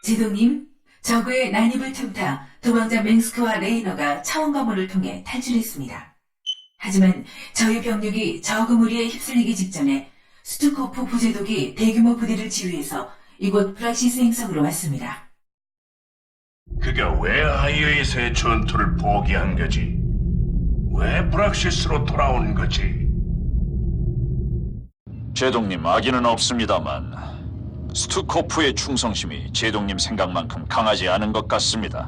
지도님, 적의 난입을 틈타 도망자 맹스크와 레이너가 차원 검문을 통해 탈출했습니다. 하지만 저희 병력이 적 무리에 휩쓸리기 직전에 스투코프 부제독이 대규모 부대를 지휘해서 이곳 브락시스 행성으로 왔습니다. 그가 왜 아이어에서의 전투를 포기한 거지? 왜 브락시스로 돌아온 거지? 제동님, 악의는 없습니다만 스투코프의 충성심이 제동님 생각만큼 강하지 않은 것 같습니다.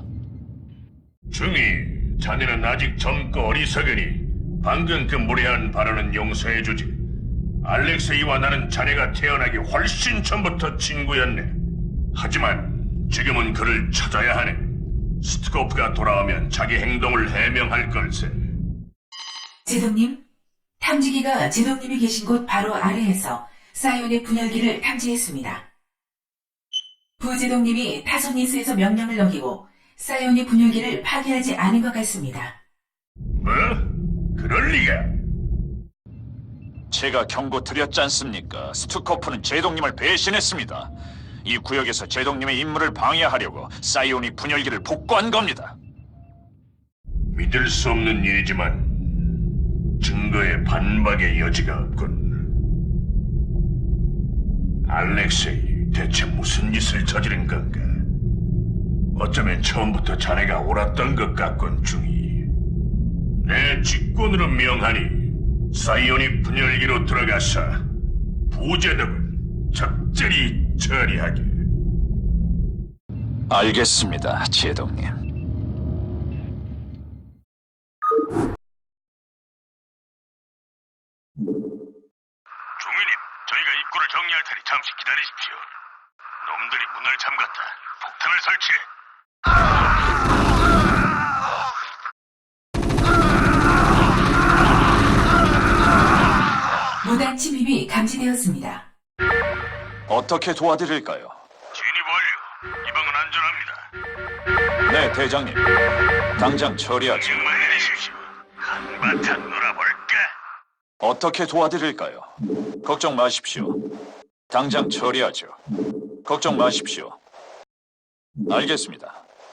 중이, 자네는 아직 젊고 어리석으니 방금 그 무례한 발언은 용서해주지. 알렉세이와 나는 자네가 태어나기 훨씬 전부터 친구였네. 하지만 지금은 그를 찾아야 하네. 스투코프가 돌아오면 자기 행동을 해명할 걸세. 지도님, 탐지기가 지도님이 계신 곳 바로 아래에서 사이온의 분열기를 탐지했습니다. 부지독님이 타소니스에서 명령을 넘기고 사이온의 분열기를 파괴하지 않은 것 같습니다. 뭐? 그럴 리가? 제가 경고 드렸지 않습니까? 스투코프는 제동님을 배신했습니다. 이 구역에서 제동님의 임무를 방해하려고 사이온이 분열기를 복구한 겁니다. 믿을 수 없는 일이지만 증거에 반박의 여지가 없군. 알렉세이, 대체 무슨 짓을 저지른 건가? 어쩌면 처음부터 자네가 옳았던 것 같군, 중이. 내 직권으로 명하니 사이온이 분열기로 들어가서 부제독을 적절히 처리하게. 알겠습니다, 제동님. 중위님, 저희가 입구를 정리할 테니 잠시 기다리십시오. 놈들이 문을 잠갔다. 폭탄을 설치해. 무단 침입이 감지되었습니다. 어떻게 도와드릴까요? 진입 완료. 이 방은 안전합니다. 네, 대장님. 당장 처리하죠. 명만 내리십시오. 한바탕 놀아볼까? 어떻게 도와드릴까요? 걱정 마십시오. 당장 처리하죠. 걱정 마십시오. 알겠습니다.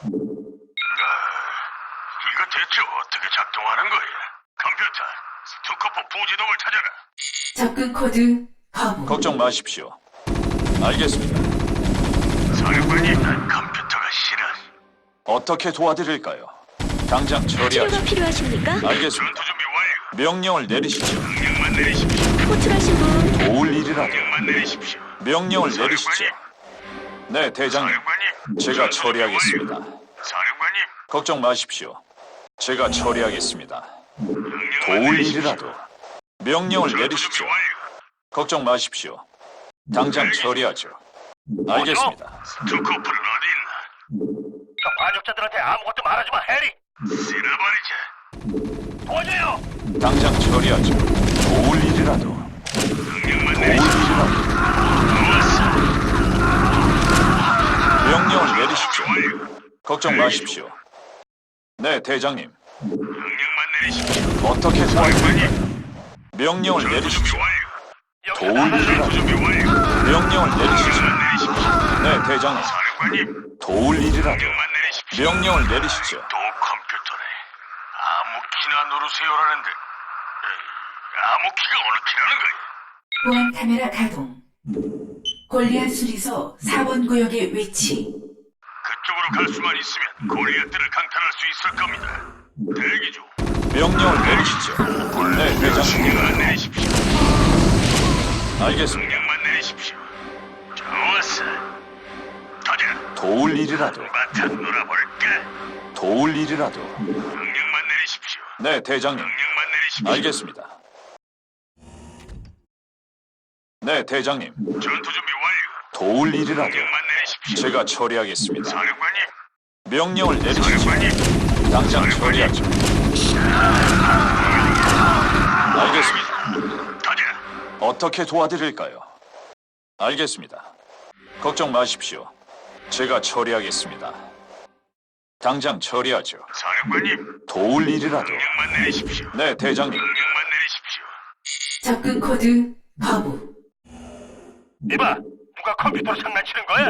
이거 대체 어떻게 작동하는 거야? 컴퓨터, 스투커프 부지동을 찾아라. 접근 코드 거부. 걱정 마십시오. 알겠습니다. 사령관님, 난 컴퓨터가 싫어. 어떻게 도와드릴까요? 당장 처리하죠. 치료가 필요하십니까? 알겠습니다. 전투 준비 완료. 명령을 내리시죠. 명령만 내리십시오. 호출하신 분 도울 일이라도 명령만 내리십시오. 명령을 내리시죠. 네, 대장님. 사령관님, 제가 전투 준비 처리하겠습니다. 완료. 사령관님, 걱정 마십시오. 제가 처리하겠습니다. 명령만 도울 내리십시오. 일이라도 명령을 전투 내리시죠. 준비 완료. 걱정 마십시오. 당장 처리하죠. 알겠습니다. 스투커프는 어디 있나? 저 반역자들한테 아무것도 말하지 마, 해리. 쓸어버리자. 도와줘요. 당장 처리하죠. 도울 일이라도 명령만 도울 내리십시오. 일이라도 좋았어. 명령을 내리시죠. 완료. 걱정 마십시오. 네, 대장님. 명령만 내리십시오. 어떻게 도와드릴까요? 사령관님, 명령을 전투 준비 내리시죠. 완료. 도울 전투 일이라도 준비 완료. 명령을 내리시죠. 명령만 내리십시오. 네, 대장님. 사령관님, 도울 일이라도 명령만 내리십시오. 명령을 내리시죠. 또 컴퓨터네. 아무 키나 누르세요라는데. 아무 키가 어느 키라는 거야? 보안 카메라 가동. 골리앗 수리소 4번 구역의 위치. 그쪽으로 갈 수만 있으면 골리앗들을 강탈할 수 있을 겁니다. 대기 중. 명령을 내리시죠. 네, 대장님. 명령만 내리십시오. 알겠습니다. 명령만 내리십시오. 좋았어. 터져. 도울 일이라도 바탕 놀아볼까? 도울 일이라도 명령만 내리십시오. 네, 대장님. 명령만 내리십시오. 알겠습니다. 네, 대장님. 전투 준비 완료. 도울 일이라도 명령만 내리십시오. 제가 처리하겠습니다. 사령관님, 명령을 내리시죠. 사령관님. 당장 처리하죠. 알겠습니다. 터져. 어떻게 도와드릴까요? 알겠습니다. 걱정 마십시오. 제가 처리하겠습니다. 당장 처리하죠. 사령관님, 도울 일이라도 명령만 내리십시오. 네, 대장님. 명령만 내리십시오. 접근 코드 거부. 이봐, 누가 컴퓨터로 장난치는 거야?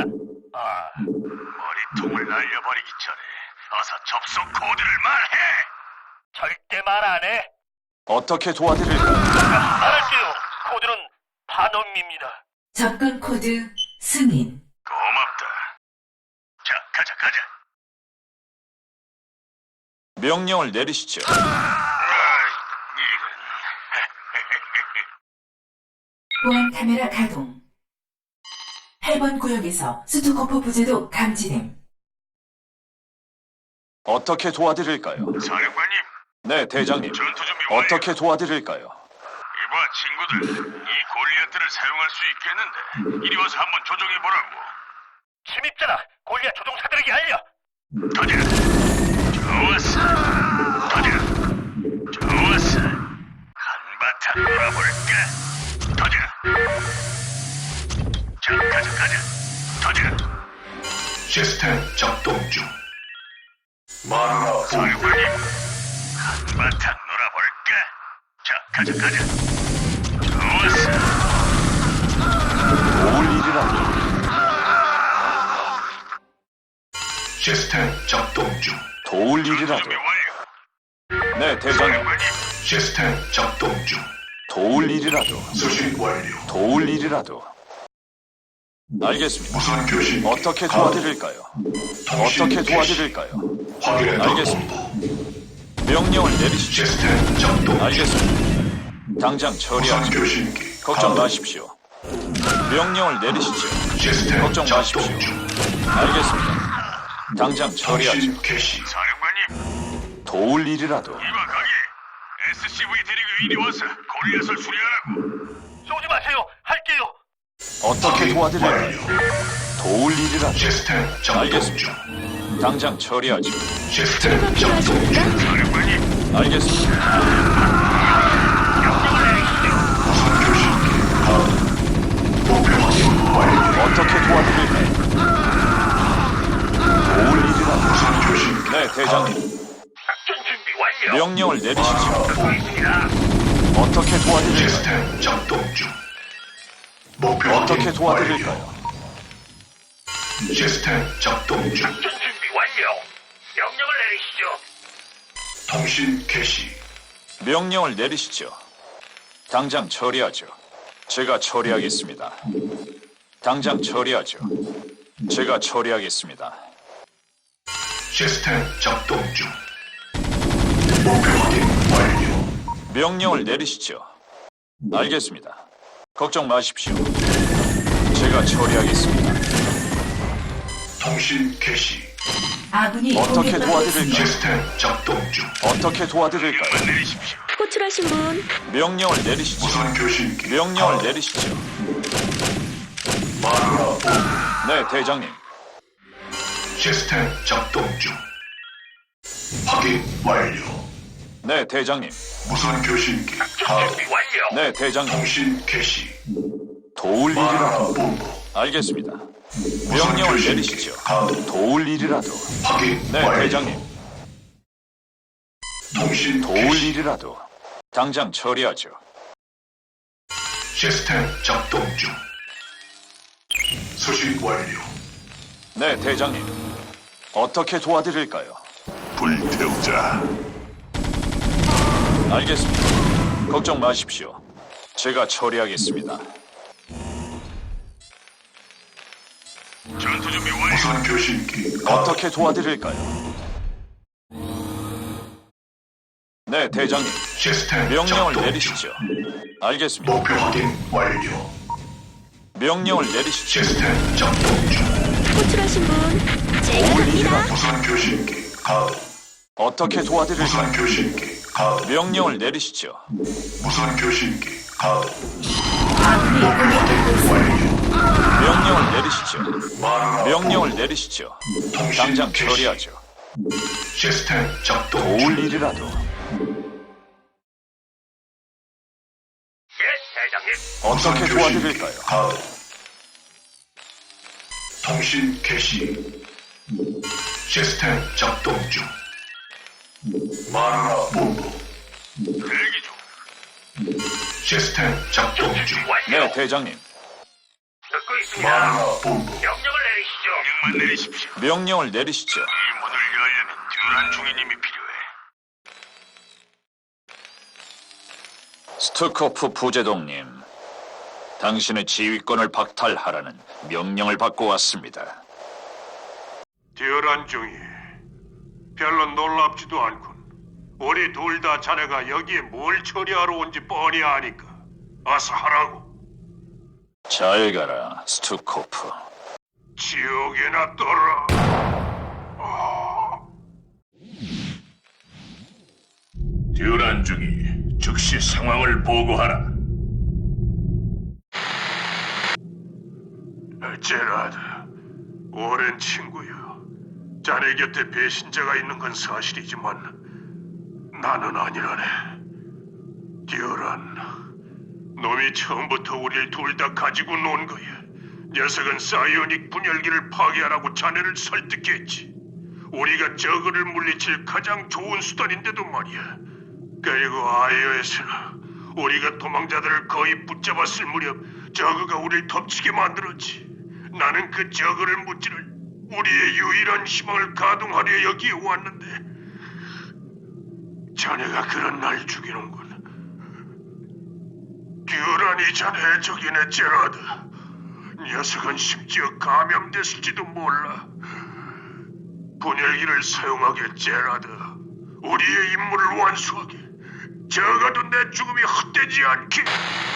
머리통을 날려버리기 전에 어서 접속 코드를 말해. 절대 말 안 해. 어떻게 도와드릴까요? 말할게요. 코드는 반음입니다. 접근 코드 승인. 고맙다. 자, 가자. 명령을 내리시죠. 보안 카메라 가동. 8번 구역에서 스투코프 부재도 감지됨. 어떻게 도와드릴까요? 사령관님, 네, 대장님. 전투 준비 완료. 어떻게 도와드릴까요? 이봐, 친구들. 이 골리앗들을 사용할 수 있겠는데 이리 와서 한번 조종해보라고. 침입자다. 골리앗 조종사들에게 알려. 가자. 좋았어. 가자. 좋았어. 한바탕 놀아볼까? 가자. 자, 가자. 가자. 시스템 작동 중. 마누라 사령관님. 한바탕 놀아볼까? 자, 가자. 좋았어. 도울 일이라도. 시스템 작동 중. 도울 일이라도. 준비 완료. 네, 대장님. 사령관님. 시스템 작동 중. 도울 일이라도. 수신 완료. 도울 일이라도. 알겠습니다. 무선 교신. 어떻게 도와드릴까요? 어떻게 도와드릴까요? 확인했다. 알겠습니다. 명령을 내리시죠. 시스템 작동. 알겠습니다. 당장 무선 처리하죠. 교신기. 걱정 마십시오. 명령을 내리시죠. 시스템 걱정 작동 마십시오. 중. 알겠습니다. 당장 처리하죠. 통신 개시. 사령관님, 도울 일이라도. 이봐 거기. SCV 데리고 이리 와서 골리앗을 수리하라고. 쏘지 마세요. 할게요. 어떻게 도와드릴까요? 도울 일이라도. 시스템 작동 알겠습니다. 중. 당장 처리하죠. 시스템 작동 중. 사령관님, 알겠습니다. 무선 교신기. 목표 확인 완료. 어떻게 도와드릴까요? 도울 일이라도. 무선 교신기. 네, 대장님. 작전 준비 완료. 명령을 내리시죠. 보겠습니다. 어떻게 도와드릴까요? 시스템 작동 중. 목표 어떻게 확인 도와드릴까요? 완료. 시스템 작동 중. 작전 준비 완료. 명령을 내리시죠. 통신 개시. 명령을 내리시죠. 당장 처리하죠. 제가 처리하겠습니다. 당장 처리하죠. 제가 처리하겠습니다. 시스템 작동 중. 목표 확인 완료. 명령을 내리시죠. 알겠습니다. 걱정 마십시오. 제가 처리하겠습니다. 통신 개시. 아군이 어떻게 공격받고 도와드릴까요? 있습니다. 시스템 작동 중. 어떻게 도와드릴까요? 내리십시오. 호출하신 분 명령을 내리시죠. 무선 교신기. 명령을 내리시죠. 마누라 네, 대장님. 시스템 작동 중. 확인 완료. 네, 대장님. 무선 교신기. 준비 완료. 네, 대장님. 통신 개시. 도울 마누라 일이라도. 본부. 알겠습니다. 무선 명령을 교신기. 내리시죠. 가동. 도울 일이라도. 확인 네, 완료. 대장님. 통신 도울 개시. 일이라도. 당장 처리하죠. 시스템 작동 중. 수신 완료. 네, 대장님. 어떻게 도와드릴까요? 불태우자. 알겠습니다. 걱정 마십시오. 제가 처리하겠습니다. 전투 준비 완료. 무선 교신기. 어떻게 도와드릴까요? 네, 대장님. 시스템 명령을 작동 내리시죠. 중. 알겠습니다. 목표 확인 완료. 명령을 내리시죠. 시스템 작동 중. 호출하신 분 제가 도울 갑니다. 일이라도. 무선 교신기. 가동. 어떻게 도와드릴까요? 무선 교신기. 가동. 명령을 내리시죠. 무선 교신기. 가동. 아군이 공격받고 있습니다. 완료. 명령을 내리시죠. 마누라 명령을 내리시죠. 당장 개시. 처리하죠. 시스템 작동 도울 중. 일이라도. 예, 대장님. 어떻게 무선 도와드릴까요? 교신기. 가동. 통신 개시. 시스템 작동 중. 마누라 본부. 대기 중. 시스템 작동 중. 네, 대장님. 듣고 있습니다. 마라 본부. 명령을 내리시죠. 명령만 내리십시오. 명령을 내리시죠. 이 문을 열려면 듀란 중위님이 필요해. 스투코프 부제동님, 당신의 지휘권을 박탈하라는 명령을 받고 왔습니다. 듀란 중이 별로 놀랍지도 않군. 우리 둘 다 자네가 여기에 뭘 처리하러 온지 뻔히 아니까 어서 하라고. 잘 가라, 스투코프. 지옥에나 떠라. 듀란 중이 즉시 상황을 보고하라. 제라드, 오랜 친구야. 자네 곁에 배신자가 있는 건 사실이지만 나는 아니라네. 듀란, 놈이 처음부터 우릴 둘 다 가지고 논 거야. 녀석은 사이오닉 분열기를 파괴하라고 자네를 설득했지. 우리가 저그를 물리칠 가장 좋은 수단인데도 말이야. 그리고 아이오에서는 우리가 도망자들을 거의 붙잡았을 무렵 저그가 우릴 덮치게 만들었지. 나는 그 저그를 무찌를 우리의 유일한 희망을 가동하려 여기에 왔는데 자네가 그런 날 죽이는군. 듀란이 자네의 적이네, 제라드. 녀석은 심지어 감염됐을지도 몰라. 분열기를 사용하게, 제라드. 우리의 임무를 완수하게. 적어도 내 죽음이 헛되지 않게.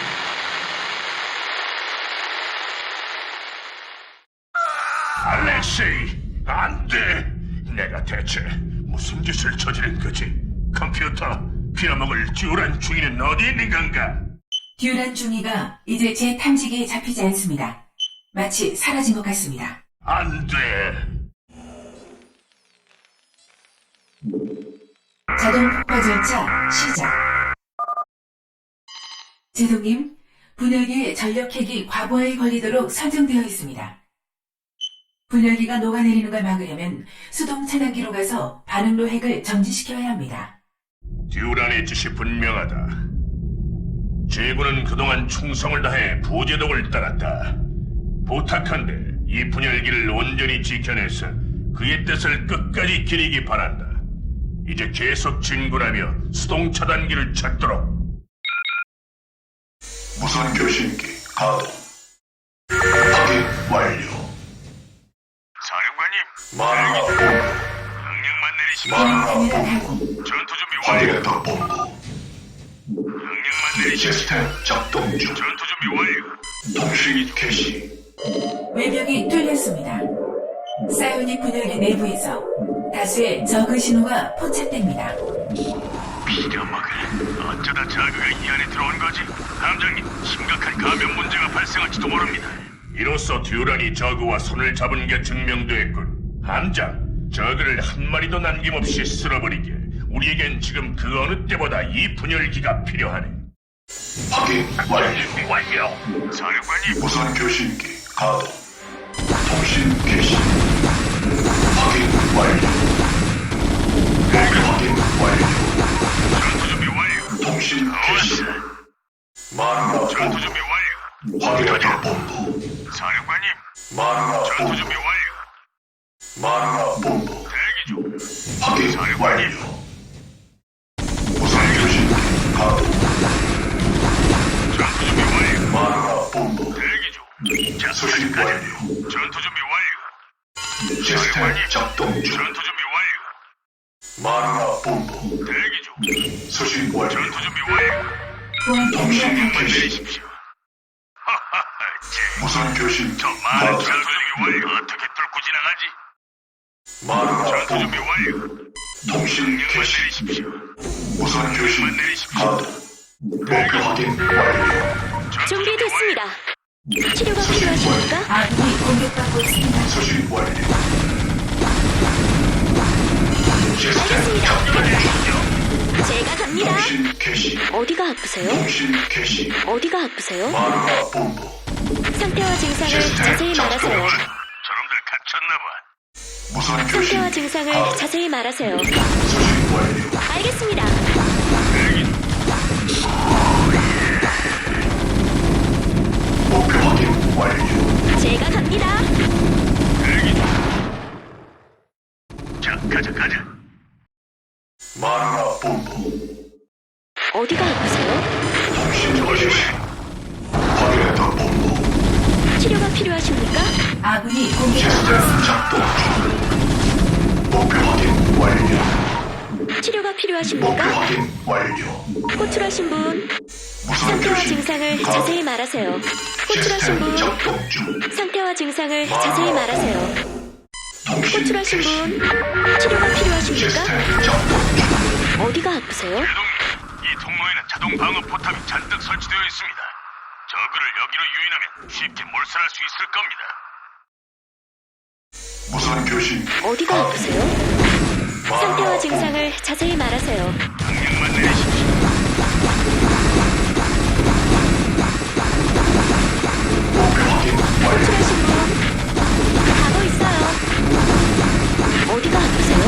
알렉세이, 안 돼! 내가 대체 무슨 짓을 저지른 거지? 컴퓨터, 빌어먹을 듀란 중위는 어디 있는 건가? 듀란 중위가 이제 제 탐지기에 잡히지 않습니다. 마치 사라진 것 같습니다. 안 돼! 자동 폭파 절차 시작. 제동님, 분열기의 전력핵이 과부하에 걸리도록 설정되어 있습니다. 분열기가 녹아내리는 걸 막으려면 수동 차단기로 가서 반응로 핵을 정지시켜야 합니다. 듀란의 뜻이 분명하다. 제군은 그동안 충성을 다해 부제독을 따랐다. 부탁한데 이 분열기를 온전히 지켜내서 그의 뜻을 끝까지 기리기 바란다. 이제 계속 진군하며 수동 차단기를 찾도록. 무선 교신기 가동. 확인 완료. 사령관님, 마라 본부. 명령만 내리십시오. 마라 카메라 본부. 가동. 전투 준비 완료. 확인했다 본부. 명령만 내리십시오. 시스템 작동 중. 전투 준비 완료. 통신 개시. 외벽이 뚫렸습니다. 사이오닉 분열기 내부에서 다수의 저그 신호가 포착됩니다. 빌어먹을. 어쩌다 저그가 이 안에 들어온 거지? 함장님, 심각한 감염 문제가 발생할지도 모릅니다. 이로써 듀란이 저그와 손을 잡은 게 증명됐군. 함장, 저그를 한 마리도 남김없이 쓸어버리게. 우리에겐 지금 그 어느 때보다 이 분열기가 필요하네. 확인 완료. 준비 완료. 사령관님, 무선 교신기 가동. 통신 개시. 확인 완료. 목표 확인 완료. 전투 준비 완료. 통신 개시. 마라 전투 본부. 준비 완료. 확인했다 본부. 사령관님, 마라 전투 본부. 준비 완료. 마라 본부. 대기 중. 확인 완료. 무선 교신기 가동. 전투 준비 완료. 마라 본부. 대기 중. 자, 수신 가자. 완료. 전투 준비 완료. 시스템 작동 중. 전투 준비 완료. 마라 본부. 대기 중. 수신 완료. 전투 준비 완료. 보안 통신 카메라 가동. 개시. 내리십시오. 하하하, 제. 무선 교신기 저 많은 가동. 전투 준비 완료. 어떻게 뚫고 지나가지? 마라 전투 본부. 준비 완료. 통신 명령만 개시. 내리십시오. 무선 교신기 내리십시오. 가동. 목표 확인 완료. 전투 준비 준비됐습니다. 치료가 필요하십니까? 아군이 공격받고 있습니다. 수신 완료. 시스템 알겠습니다. 작동 중. 제가 갑니다. 통신 개시. 어디가 아프세요? 통신 개시. 어디가 아프세요? 마라 본부. 상태와 증상을 시스템 자세히 작동 말하세요. 중. 저놈들 갇혔나봐. 무선 상태와 교신기 증상을 가동. 자세히 말하세요. 수신 완료. 알겠습니다. 목표 확인 완료. 갑니다. 자, 가자. 마누라 본부. 어디가 아프세요? 통신 개시. 확인했다 본부. 치료가 필요하십니까? 아군이 공격받고 시스템 있습니다. 작동 중. 목표 확인 완료. 치료가 목표 필요하십니까? 확인 완료. 호출하신 분, 무선 상태와 교신. 증상을 가. 자세히 말하세요. 호출하신 시스템 분, 작동 중. 상태와 증상을 자세히 말하세요. 통신 호출하신 개시. 분, 치료가 필요하십니까? 시스템 작동 중. 어디가 아프세요? 대동님, 이 통로에는 자동 방어 포탑이 잔뜩 설치되어 있습니다. 저그를 여기로 유인하면 쉽게 몰살할 수 있을 겁니다. 무선 교신. 어디가 아프세요? 상태와 증상을 자세히 말하세요. 강력만 내리십시오. 목표 확인 완료. 호출하신 분, 가고 있어요. 어디가 아프세요?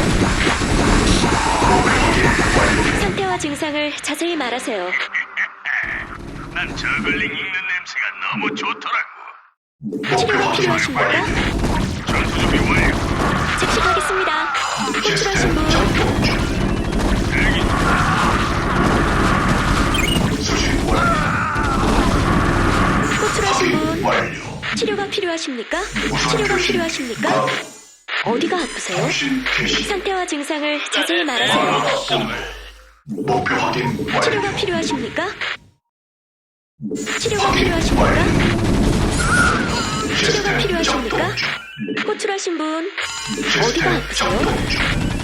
목표 확인 완료. 상태와 증상을 자세히 말하세요. 난 저글링 읽는 냄새가 너무 좋더라고. 목표 치료가 확인 필요하십니까? 완료. 전투 준비 완료. 즉시 가겠습니다. 호출하신 시스템 분, 작동 중. 대기. 수신 완료. 호출하신 확인 분, 완료. 치료가 필요하십니까? 무선 치료가 교신. 필요하십니까? 가. 어디가 아프세요? 통신 개시. 상태와 증상을 자세히 말하세요. 마누라 본부. 목표 확인 치료가 완료. 필요하십니까? 치료가 확인 필요하십니까? 완료. 치료가 시스템 필요하십니까? 작동 중. 호출하신 분, 어디가 시스템 아프세요? 작동 중.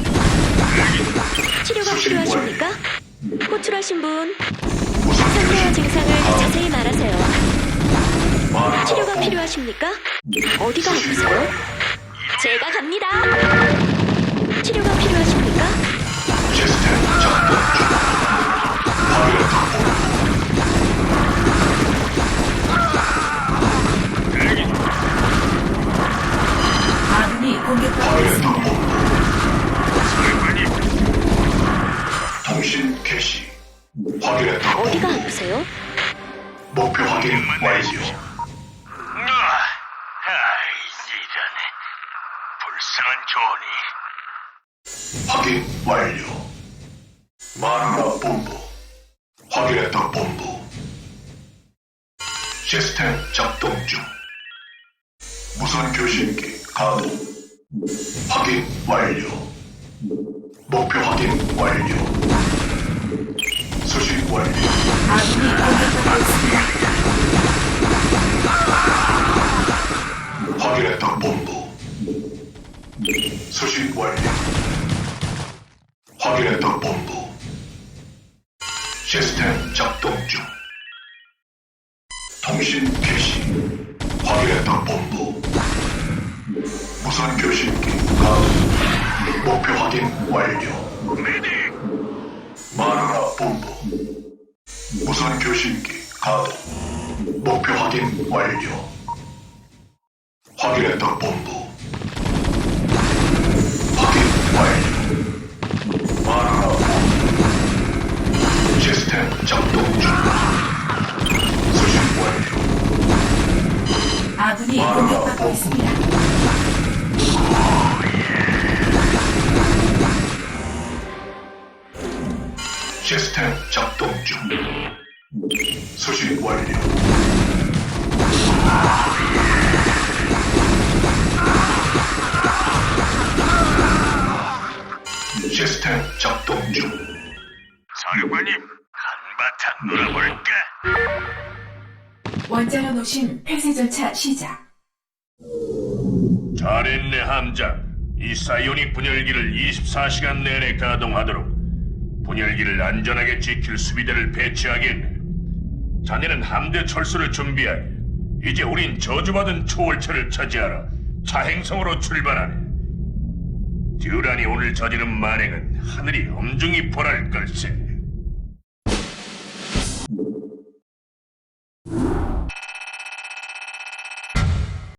치료가 수신 필요하십니까? 호출하신 분, 무선 상태와 교신. 증상을 자세히 말하세요. 마누라 치료가 본부. 필요하십니까? 어디가 수신 아프세요? 완료. 제가 갑니다. 치료가 필요하십니까? 시스템 작동 중. 확인했다 본부. 아군이 공격받고 확인했다 있습니다. 본부. 사령관님, 통신 개시. 확인했다 어디가 본부. 아프세요? 목표 확인 완료. 이런 불쌍한 조언이. 확인 완료. 마누라 본부. 확인했다 본부. 시스템 작동 중. 무선 교신기 가동. 확인 완료. 목표 확인 완료. 수신 완료. 아군이 공격받고 있습니다. 확인했다 본부. 수신 완료. 확인했다 본부. 시스템 작동 중. 통신 개시. 확인했다 본부. 무선 교신기 가동. 목표 확인 완료. 마누라 본부. 무선 교신기 가동. 목표 확인 완료. 확인했다 본부. 확인 완료. 마누라 본부. 시스템 작동 중. 수신 완료. 아군이 공격받고 있습니다. 시스템 작동 중. 수신 완료. 시스템 작동 중. 사령관님, 한바탕 놀아볼까? 원자로 노심 폐쇄 절차 시작. 잘했네 함장. 이 사이오닉 분열기를 24시간 내내 가동하도록 분열기를 안전하게 지킬 수비대를 배치하겠네. 자네는 함대 철수를 준비하게. 이제 우린 저주받은 초월체를 차지하러 차행성으로 출발하네. 듀란이 오늘 저지른 만행은 하늘이 엄중히 벌할 걸세.